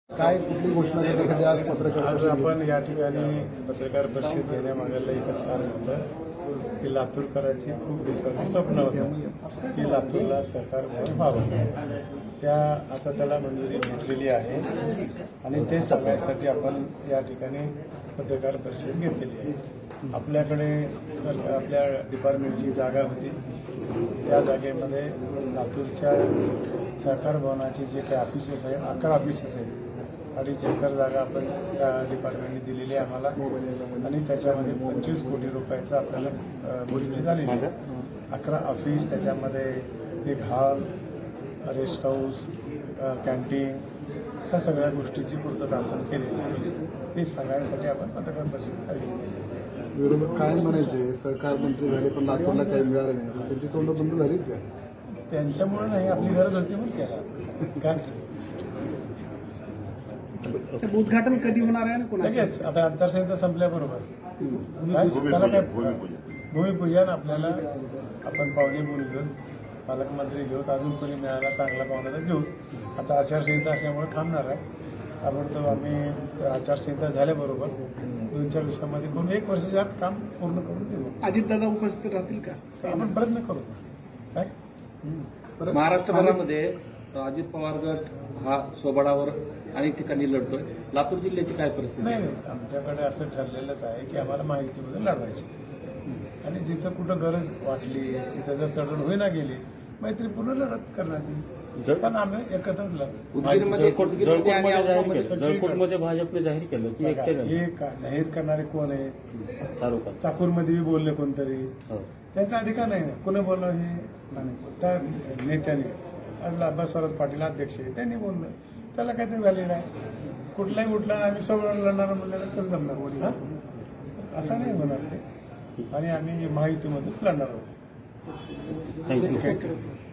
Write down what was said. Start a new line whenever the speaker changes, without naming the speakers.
काय कुठली घोषणा करण्यासाठी आज पत्रकार
आज आपण या ठिकाणी पत्रकार परिषद घेण्यामागायला एकच कारण होतं की लातूरकरांची खूप दिवसाचं स्वप्न होतं की लातूरला सहकार भवन व्हावं. त्या आता त्याला मंजुरी घेतलेली आहे आणि ते सांगण्यासाठी आपण या ठिकाणी पत्रकार परिषद घेतलेली आहे. आपल्याकडे आपल्या डिपार्टमेंटची जागा होती, त्या जागेमध्ये लातूरच्या सहकार भवनाची जे काही ऑफिसेस आहेत 11 ऑफिसेस आहेत. 2.5 एकर जागा आपण त्या डिपार्टमेंटने दिलेली आहे आम्हाला आणि त्याच्यामध्ये 25 कोटी रुपयाचं आपल्याला बोलणी झालेली आहे. 11 ऑफिस, त्याच्यामध्ये एक हॉल, रेस्ट हाऊस, कॅन्टीन, ह्या सगळ्या गोष्टीची पूर्तता आपण केलेली आहे. ते सांगण्यासाठी आपण पत्रकार परिषद केली.
विरोधक काय म्हणायचे, सरकार मंत्री झाले पण लातूरला काही मिळालं नाही, त्यांची तोंड बंद झालीत का?
त्यांच्यामुळे नाही, आपली गरज होती म्हणून केला. काय
उद्घाटन कधी होणार आहे ना?
लगेच आता आचारसंहिता संपल्याबरोबर त्याला काय भूमिपूजन आपल्याला आपण पाहुणे बोलून पालकमंत्री घेऊत, अजून कोणी मिळाला चांगला पाहुणा तर घेऊ. आता आचारसंहिता असल्यामुळे थांबणार आहे. ताबडतोब आम्ही आचारसंहिता झाल्याबरोबर 2-4 दिवसामध्ये करून 1 वर्षाच्या आत काम पूर्ण करून देऊ.
अजितदादा उपस्थित राहतील का?
आपण प्रयत्न करू. काय
महाराष्ट्रभरामध्ये अजित पवार गट हा सोबडावर अनेक ठिकाणी लढतोय. लातूर जिल्ह्याची काय परिस्थिती?
नाही, आमच्याकडे असं ठरलेलंच आहे की आम्हाला माहितीमध्ये लढवायची आणि जिथं कुठं गरज वाटली, तिथं जर तडजोड होईना गेली, मैत्रीपूर्ण लढत करण्यात येईल. पण आम्ही एकत्रच लढतो.
जळकोटमध्ये भाजपने जाहीर केलं की
हे जाहीर करणारे कोण आहेत? चाकूरमध्ये बी बोलले कोणतरी, त्यांचा अधिकार नाही ना. कोणी बोललं हे त्या नेत्याने, बसवराज पाटील अध्यक्ष आहे, त्यांनी बोललं, त्याला काहीतरी व्हॅलिड आहे. कुठलाही उठला आम्ही सोबत लढणार म्हणल्याला कसं जमणार? हा, असं नाही होणार ते. आणि आम्ही महायुतीमध्येच लढणार आहोत.
थँक्यू.